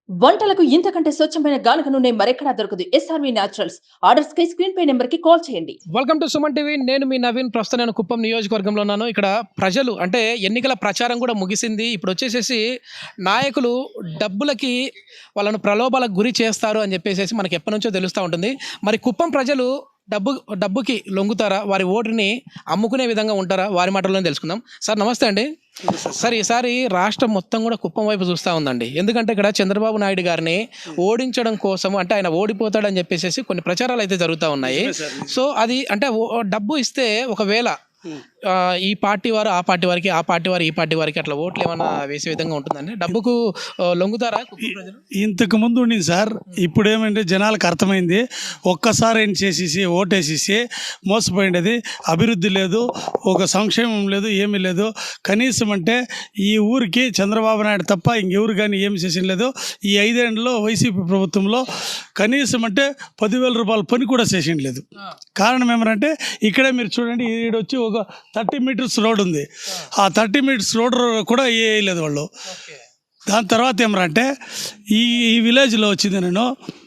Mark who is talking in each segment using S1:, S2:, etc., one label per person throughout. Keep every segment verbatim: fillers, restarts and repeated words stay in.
S1: వంటలకు ఇంతకంటే స్వచ్ఛమైన గానుగ నూనె మరెక్కడా దొరకదు. SRV naturals. ఆర్డర్స్ కై స్క్రీన్ పై నెంబర్ కి కాల్ చేయండి.
S2: Welcome to Suman TV. నేను మీ నవీన్. ప్రస్తుతం నేను కుప్పం నియోజకవర్గంలో ఉన్నాను. ఇక్కడ ప్రజలు అంటే ఎన్నికల ప్రచారం కూడా ముగిసింది. ఇప్పుడు వచ్చేసేసి నాయకులు డబ్బులకి వాళ్ళను ప్రలోభాలకు గురి చేస్తారు అని చెప్పేసి మనకి ఎప్పటి నుంచో తెలుస్తూ ఉంటుంది. మరి కుప్పం ప్రజలు డబ్బు డబ్బుకి లొంగుతారా, వారి ఓటుని అమ్ముకునే విధంగా ఉంటారా, వారి మాటల్లోనే తెలుసుకుందాం. సార్ నమస్తే అండి. సార్ ఈసారి రాష్ట్రం మొత్తం కూడా కుప్పం వైపు చూస్తూ ఉందండి. ఎందుకంటే ఇక్కడ చంద్రబాబు నాయుడు గారిని ఓడించడం కోసం అంటే ఆయన ఓడిపోతాడని చెప్పేసి కొన్ని ప్రచారాలు అయితే జరుగుతూ ఉన్నాయి. సో అది అంటే డబ్బు ఇస్తే ఒకవేళ ఈ పార్టీ వారు ఆ పార్టీ వారికి, ఆ పార్టీ వారు ఈ పార్టీ వారికి అట్లా ఓట్లు ఏమైనా వేసే విధంగా ఉంటుందండి. డబ్బుకు లొంగుతారా ప్రజలు?
S3: ఇంతకు ముందు ఉండింది సార్. ఇప్పుడు ఏమంటే జనాలకు అర్థమైంది. ఒక్కసారి ఏం చేసేసి ఓటేసేసి మోసపోయింది. అభివృద్ధి లేదు, ఒక సంక్షేమం లేదు, ఏమీ లేదు. కనీసం అంటే ఈ ఊరికి చంద్రబాబు నాయుడు తప్ప ఇంకెవరు కానీ ఏమి చేసిన లేదు. ఈ ఐదేళ్లలో వైసీపీ ప్రభుత్వంలో కనీసం అంటే పదివేల రూపాయల పని కూడా చేసిన లేదు. కారణం ఏమంటే ఇక్కడే మీరు చూడండి, ఈడొచ్చి ఒక థర్టీ మీటర్స్ రోడ్ ఉంది. ఆ థర్టీ మీటర్స్ రోడ్ కూడా వేయలేదు వాళ్ళు. దాని తర్వాత ఏమరంటే ఈ ఈ విలేజ్లో వచ్చింది నేను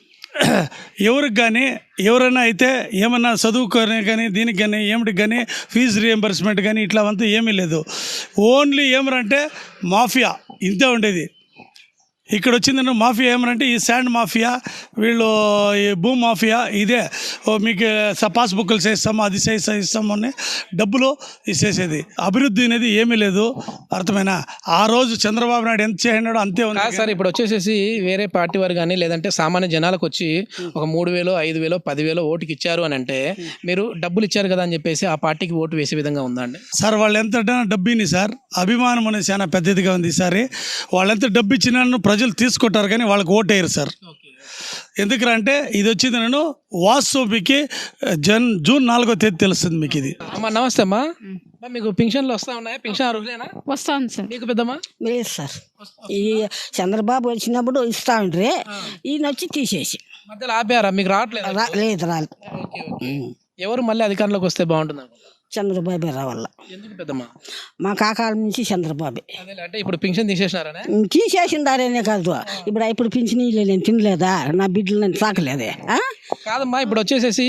S3: ఎవరికి కానీ ఎవరైనా అయితే ఏమన్నా చదువుకొని కానీ దీనికి కానీ ఏమిటికి కానీ ఫీజు రియంబర్స్మెంట్ కానీ ఇట్లా అంతా ఏమీ లేదు. ఓన్లీ ఏమరంటే మాఫియా ఇంతే ఉండేది. ఇక్కడ వచ్చిందంటే మాఫియా ఏమనంటే ఈ శాండ్ మాఫియా, వీళ్ళు ఈ భూ మాఫియా, ఇదే మీకు పాస్బుక్లు చేస్తాము, అది చేస్తా ఇస్తాము అని డబ్బులు ఇచ్చేసేది. అభివృద్ధి అనేది ఏమీ లేదు. అర్థమైనా? ఆ రోజు చంద్రబాబు నాయుడు ఎంత చేయనాడో అంతే ఉంది
S2: సార్. ఇప్పుడు వచ్చేసేసి వేరే పార్టీ వారు కానీ లేదంటే సామాన్య జనాలకు వచ్చి ఒక మూడు వేలు ఐదు వేలు పదివేలు ఓటుకి ఇచ్చారు అని అంటే మీరు డబ్బులు ఇచ్చారు కదా అని చెప్పేసి ఆ పార్టీకి ఓటు వేసే విధంగా ఉందా అండి?
S3: సార్ వాళ్ళు ఎంత డబ్బుని సార్, అభిమానం అనేది చాలా పెద్దదిగా ఉంది ఈసారి. వాళ్ళు ఎంత డబ్బు ఇచ్చినా ప్రజలు తీసుకుంటారు కానీ వాళ్ళకి ఓటు వేయరు సార్. ఎందుకంటే ఇది వచ్చింది నేను వాస్తవికి జన్ జూన్ నాలుగో తేదీ తెలుస్తుంది మీకు ఇది.
S2: అమ్మా నమస్తే అమ్మా. మీకు పింఛన్లు వస్తా ఉన్నాయా? పింఛన్ అర్హులేనా?
S4: వస్తాను సార్.
S2: మీకు పెద్దమ్మా?
S4: లేదు సార్. ఈ చంద్రబాబు వచ్చినప్పుడు ఇస్తా ఉంటే ఈయన వచ్చి తీసేసి
S2: మధ్యలో ఆపారా? మీకు రావట్లేదు?
S4: లేదు రాలేదు.
S2: ఎవరు మళ్ళీ అధికారంలోకి వస్తే బాగుంటుంది?
S4: చంద్రబాబే రావాల.
S2: ఎందుకు పెద్దమ్మా?
S4: మా కాకాల నుంచి చంద్రబాబే.
S2: అంటే ఇప్పుడు పింఛన్ తీసేసినారనే?
S4: తీసేసిందారనే కాదు, ఇప్పుడు ఇప్పుడు పింఛన్ నేను తినలేదా, నా బిడ్డలు నేను సాకలేదే.
S2: కాదమ్మా, ఇప్పుడు వచ్చేసేసి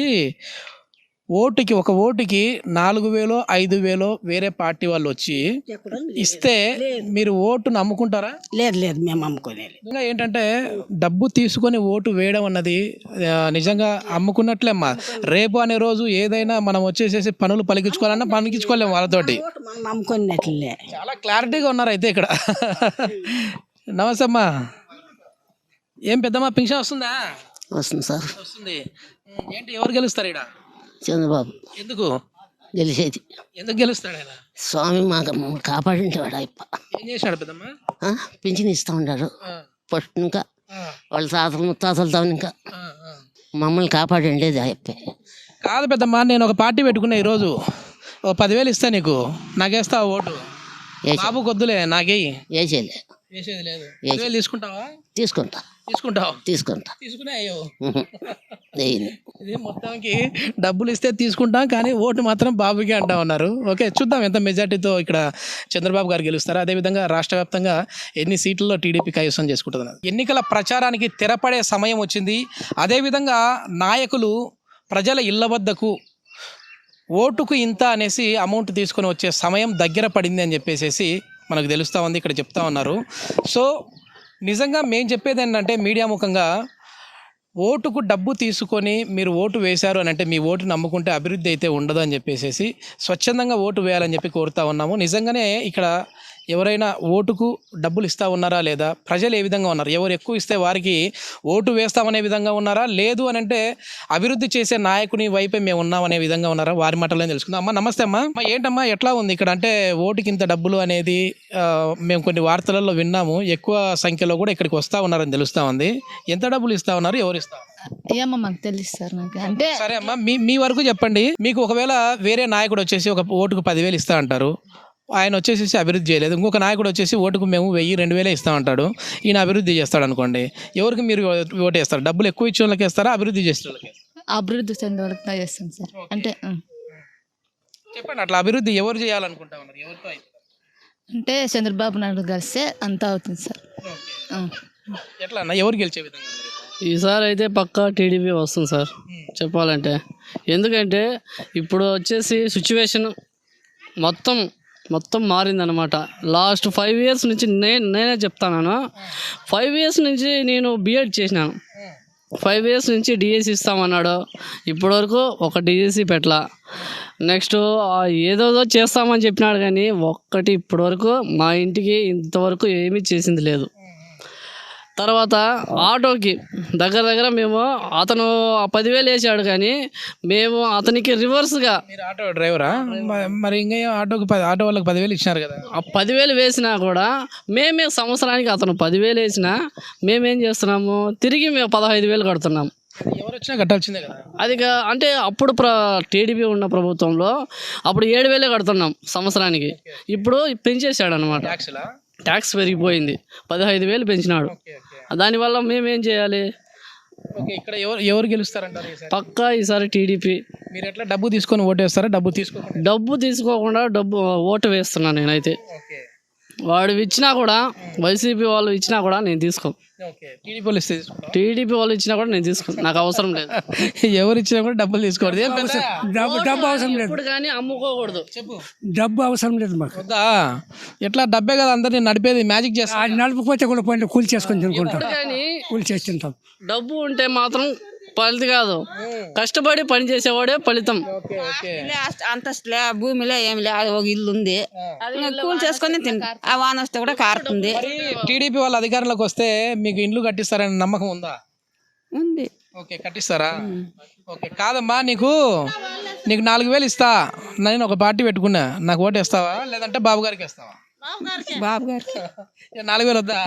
S2: ఓటుకి ఒక ఓటుకి నాలుగు వేలో ఐదు వేలో వేరే పార్టీ వాళ్ళు వచ్చి ఇస్తే మీరు ఓటును అమ్ముకుంటారా?
S4: లేదు లేదు, మేము అమ్ముకోలేదు.
S2: నిజంగా ఏంటంటే డబ్బు తీసుకొని ఓటు వేయడం అన్నది నిజంగా అమ్ముకున్నట్లేమ్మా. రేపు అనే రోజు ఏదైనా మనం వచ్చేసేసి పనులు పలికించుకోవాలన్నా పలికించుకోలేము వాళ్ళతోటి.
S4: అమ్ముకున్నట్లే.
S2: చాలా క్లారిటీగా ఉన్నారు అయితే ఇక్కడ. నమస్తే అమ్మా. ఏం పెద్దమ్మా పింఛన్ వస్తుందా?
S4: వస్తుంది సార్.
S2: వస్తుంది. ఏంటి ఎవరు గెలుస్తారు ఇక్కడ?
S4: చంద్రబాబు.
S2: ఎందుకు
S4: గెలిచేది?
S2: ఎందుకు గెలుస్తాడు ఆయన?
S4: స్వామి మాకు కాపాడింటాడు. అయ్యప్ప
S2: ఏం చేశాడు పెద్దమ్మా?
S4: పింఛన్ ఇస్తూ ఉంటాడు ఫస్ట్. ఇంకా వాళ్ళ తాతలు ముత్తాతలతో ఇంకా మమ్మల్ని కాపాడండి అయ్యప్పే.
S2: కాదు పెద్దమ్మా, నేను ఒక పార్టీ పెట్టుకున్నా ఈరోజు. ఓ పదివేలు ఇస్తా నీకు, నాకేస్తావా ఓటు? బాబు కొద్దులే, నాకేయి.
S4: వేసేలే.
S2: వేసేది లేదు. పదివేలు తీసుకుంటావా?
S4: తీసుకుంటా.
S2: తీసుకుంటావు?
S4: తీసుకుంటా.
S2: తీసుకునే అయ్యో. ఇది మొత్తానికి డబ్బులు ఇస్తే తీసుకుంటాం కానీ ఓటు మాత్రం బాబుకి అంటా ఉన్నారు. ఓకే, చూద్దాం ఎంత మెజార్టీతో ఇక్కడ చంద్రబాబు గారు గెలుస్తారు. అదేవిధంగా రాష్ట్ర వ్యాప్తంగా ఎన్ని సీట్లలో టీడీపీ కైవసం చేసుకుంటుంది. ఎన్నికల ప్రచారానికి తెరపడే సమయం వచ్చింది. అదేవిధంగా నాయకులు ప్రజల ఇళ్ల వద్దకు ఓటుకు ఇంత అనేసి అమౌంట్ తీసుకొని వచ్చే సమయం దగ్గర పడింది అని చెప్పేసి మనకు తెలుస్తూ ఉంది, ఇక్కడ చెప్తా ఉన్నారు. సో నిజంగా మేము చెప్పేది ఏంటంటే మీడియా ముఖంగా ఓటుకు డబ్బు తీసుకొని మీరు ఓటు వేశారు అని అంటే మీ ఓటు నమ్ముకుంటే అభివృద్ధి అయితే ఉండదు అని చెప్పేసి స్వచ్ఛందంగా ఓటు వేయాలని చెప్పి కోరుతా ఉన్నాము. నిజంగానే ఇక్కడ ఎవరైనా ఓటుకు డబ్బులు ఇస్తూ ఉన్నారా లేదా, ప్రజలు ఏ విధంగా ఉన్నారు, ఎవరు ఎక్కువ ఇస్తే వారికి ఓటు వేస్తామనే విధంగా ఉన్నారా, లేదు అని అంటే అభివృద్ధి చేసే నాయకుని వైపే మేము ఉన్నామనే విధంగా ఉన్నారా, వారి మాటలో తెలుసుకుందాం. అమ్మ నమస్తే అమ్మా. అమ్మ ఏంటమ్మా ఎట్లా ఉంది ఇక్కడ? అంటే ఓటుకి ఇంత డబ్బులు అనేది మేము కొన్ని వార్తలలో విన్నాము, ఎక్కువ సంఖ్యలో కూడా ఇక్కడికి వస్తూ ఉన్నారని తెలుస్తూ ఉంది. ఎంత డబ్బులు ఇస్తూ ఉన్నారు, ఎవరు ఇస్తా?
S5: ఏమో మాకు తెలుసు సార్. నాకు అంటే
S2: సరే అమ్మా, మీ మీ వరకు చెప్పండి. మీకు ఒకవేళ వేరే నాయకుడు వచ్చేసి ఒక ఓటుకు పదివేలు ఇస్తా అంటారు, ఆయన వచ్చేసి అభివృద్ధి చేయలేదు, ఇంకొక నాయకుడు వచ్చేసి ఓటుకు మేము వెయ్యి రెండు వేలే ఇస్తామంటాడు, ఈయన అభివృద్ధి చేస్తాడు అనుకోండి, ఎవరికి మీరు ఓటు వేస్తారు? డబ్బులు ఎక్కువ ఇచ్చే వాళ్ళకి వేస్తారా, అభివృద్ధి చేసే వాళ్ళకి?
S5: అభివృద్ధి చెందే వాళ్ళకి చేస్తాం సార్. అంటే
S2: చెప్పండి, అట్లా అభివృద్ధి ఎవరు చేయాలనుకుంటా ఉన్నారు? ఎవరితో
S5: అంటే చంద్రబాబు నాయుడు కలిస్తే అంతా అవుతుంది సార్.
S2: ఎట్లా అన్న ఎవరు గెలిచే విధంగా ఉంది?
S6: ఈసారి అయితే పక్కా టీడీపీ వస్తుంది సార్ చెప్పాలంటే. ఎందుకంటే ఇప్పుడు వచ్చేసి సిచ్యువేషన్ మొత్తం మొత్తం మారిందనమాట. లాస్ట్ ఫైవ్ ఇయర్స్ నుంచి నేను నేనే చెప్తాను, ఫైవ్ ఇయర్స్ నుంచి నేను బీఎడ్ చేసినాను. ఫైవ్ ఇయర్స్ నుంచి డిఎస్సి ఇస్తామన్నాడు, ఇప్పటివరకు ఒక డిఎస్సి పెట్టలా. నెక్స్ట్ ఏదోదో చేస్తామని చెప్పినాడు కానీ ఒక్కటి ఇప్పటివరకు మా ఇంటికి ఇంతవరకు ఏమీ చేసింది లేదు. తర్వాత ఆటోకి దగ్గర దగ్గర మేము అతను పదివేలు వేసాడు కానీ మేము అతనికి రివర్స్గా
S2: మీరు ఆటో డ్రైవరా? మ- మరి ఇంకా ఏం ఆటోకి పది ఆటో వాళ్ళకి పదివేలు ఇచ్చినారు కదా.
S6: ఆ పదివేలు వేసినా కూడా మేమే సంవత్సరానికి అతను పదివేలు వేసినా మేమేం చేస్తున్నాము, తిరిగి మేము పదహైదు వేలు కడుతున్నాం.
S2: ఎవరు వచ్చినా కట్టాల్సిందే కదా.
S6: అది కా- అంటే అప్పుడు ప్ర టీడీపీ ఉన్న ప్రభుత్వంలో అప్పుడు ఏడు వేలే కడుతున్నాం సంవత్సరానికి. ఇప్పుడు పెంచేశాడు అనమాట,
S2: ట్యాక్స్లా?
S6: ట్యాక్స్ పెరిగిపోయింది, పదహైదు వేలు పెంచినాడు.
S2: ఓకే ఓకే
S6: దానివల్ల మేమేం చేయాలి?
S2: ఓకే ఇక్కడ ఎవరు ఎవరు గెలుస్తారంటారు ఈసారి?
S6: పక్కా ఈసారి టీడీపీ.
S2: మీరు ఎట్లా డబ్బు తీసుకొని ఓటేస్తారా డబ్బు తీసుకోకుండా?
S6: డబ్బు తీసుకోకుండా డబ్బు ఓటు వేస్తున్నాను నేనైతే.
S2: ఓకే
S6: వాడు ఇచ్చినా కూడా, వైసీపీ వాళ్ళు ఇచ్చినా కూడా నేను తీసుకో.
S2: ఓకే టీడీపీ వాళ్ళు ఇస్తే తీసుకుంటాం.
S6: టీడీపీ వాళ్ళు ఇచ్చినా కూడా నేను తీసుకో, నాకు అవసరం లేదు.
S2: ఎవరు ఇచ్చినా కూడా డబ్బులు తీసుకోవద్దు. ఏం పెద్ద
S7: డబ్బు డబ్బు అవసరం లేదు,
S6: ఇప్పుడు కానీ అమ్ముకోకూడదు.
S2: చెప్పు
S7: డబ్బు అవసరం లేదు మాకు.
S2: వద్దా? ఎట్లా డబ్బే కదా అందరినీ నడిపేది, మ్యాజిక్ చేస్తా.
S7: అది నలుపుకోతే కూడా పోయి కూలి చేసుకొని తినుకుంటాం,
S6: ఇప్పుడు కానీ
S7: కూలి చేసి తింటాం.
S6: డబ్బు ఉంటే మాత్రం ఫలితం కాదు, కష్టపడి పని చేసేవాడే ఫలితం.
S2: ఓకే ఓకే
S8: లే, అస్త- అంతస్తులే భూమిలో ఏమి లే, అది ఒక ఇల్లు ఉంది, ఇంకా కూలి చేసుకొని తింటాం. ఆ వాన వస్తే కూడా కారుతుంది.
S2: మరి టీడీపీ వాళ్ళ అధికారంలోకి వస్తే మీకు ఇండ్లు కట్టిస్తారని నమ్మకం ఉందా?
S8: ఉంది.
S2: ఓకే కట్టిస్తారా? ఓకే కాదమ్మా, నీకు నీకు నాలుగు వేలు ఇస్తా, నేను ఒక పార్టీ పెట్టుకున్నా, నాకు ఓటు వేస్తావా లేదంటే బాబు గారికి వేస్తావా?
S8: బాబు గారికి
S2: ఏ, నాలుగు వేలు వద్దా?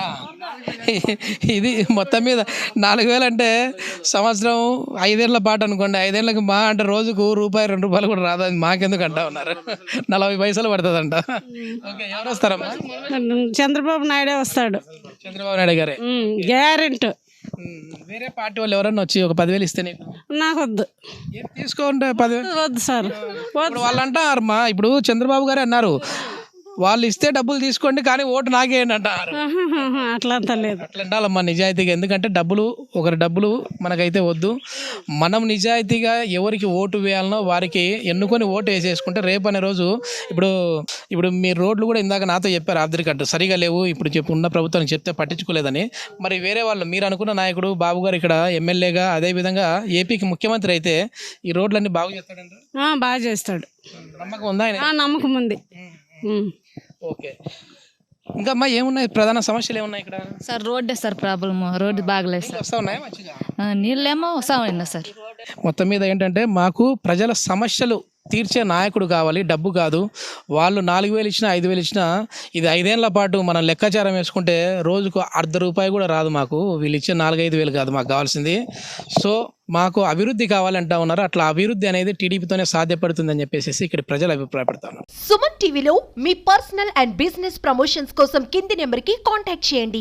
S2: ఇది మొత్తం మీద నాలుగు వేలు అంటే సంవత్సరం ఐదేళ్ల పాటు అనుకోండి, ఐదేళ్ళకి మా అంటే రోజుకు రూపాయి రెండు రూపాయలు కూడా రాదు. అది మాకెందుకు అంటా ఉన్నారు, నలభై పైసలు పడుతుందంట. ఓకే ఎవరు వస్తారమ్మా?
S8: చంద్రబాబు నాయుడే వస్తాడు,
S2: చంద్రబాబు నాయుడు గారే
S8: గ్యారెంట్.
S2: ఉమ్, వేరే పార్టీ వాళ్ళు ఎవరన్నా వచ్చి ఒక పదివేలు ఇస్తే నీకు
S8: నాకు వద్దు,
S2: ఏం తీసుకోండి పదివేలు.
S8: వద్దు సార్.
S2: ఇప్పుడు వాళ్ళు అంటారమ్మా, ఇప్పుడు చంద్రబాబు గారే అన్నారు, వాళ్ళు ఇస్తే డబ్బులు తీసుకోండి కానీ ఓటు నాకేయండి అంటారు.
S8: అట్లా అంతా లేదు.
S2: అట్లా ఉండాలమ్మా నిజాయితీగా, ఎందుకంటే డబ్బులు ఒకరి డబ్బులు మనకైతే వద్దు. మనం నిజాయితీగా ఎవరికి ఓటు వేయాలనో వారికి ఎన్నుకొని ఓటు వేసేసుకుంటే రేపు అనే రోజు, ఇప్పుడు ఇప్పుడు మీ రోడ్లు కూడా ఇందాక నాతో చెప్పారు ఆర్థిక సరిగా లేవు, ఇప్పుడు చెప్పు ఉన్న ప్రభుత్వానికి చెప్తే పట్టించుకోలేదని. మరి వేరే వాళ్ళు మీరు అనుకున్న నాయకుడు బాబు గారు ఇక్కడ ఎమ్మెల్యేగా, అదేవిధంగా ఏపీకి ముఖ్యమంత్రి అయితే ఈ రోడ్లన్నీ బాగు చేస్తాడంటారు.
S8: బాగా చేస్తాడు,
S2: నమ్మకం ఉందా ఆయన?
S8: నమ్మకం ఉంది.
S2: ఓకే ఇంకా అమ్మా ఏమున్నాయి ప్రధాన సమస్యలు ఏమున్నాయి ఇక్కడ?
S5: సార్ రోడ్డే సార్ ప్రాబ్లమ్, రోడ్డు బాగలేదు సార్.
S2: వస్తా ఉన్నాయా మంచిగా?
S5: ఆ, నీళ్ళేమో వస్తామన్నా సార్.
S2: మొత్తం మీద ఏంటంటే మాకు ప్రజల సమస్యలు తీర్చే నాయకుడు కావాలి, డబ్బు కాదు. వాళ్ళు నాలుగు వేలు ఇచ్చినా ఐదు వేలు ఇచ్చినా ఇది ఐదేళ్ల పాటు మనం లెక్కాచారం వేసుకుంటే రోజుకు అర్ధ రూపాయి కూడా రాదు మాకు. వీళ్ళు ఇచ్చే నాలుగైదు వేలు కాదు మాకు కావాల్సింది. సో మాకు అభివృద్ధి కావాలంటా ఉన్నారు. అట్లా అభివృద్ధి అనేది టీడీపీతోనే సాధ్యపడుతుందని చెప్పేసి ఇక్కడ ప్రజలు అభిప్రాయపడతారు.
S9: సుమన్ టీవీలో మీ పర్సనల్ అండ్ బిజినెస్ ప్రమోషన్స్ కోసం కింది నెంబర్కి కాంటాక్ట్ చేయండి.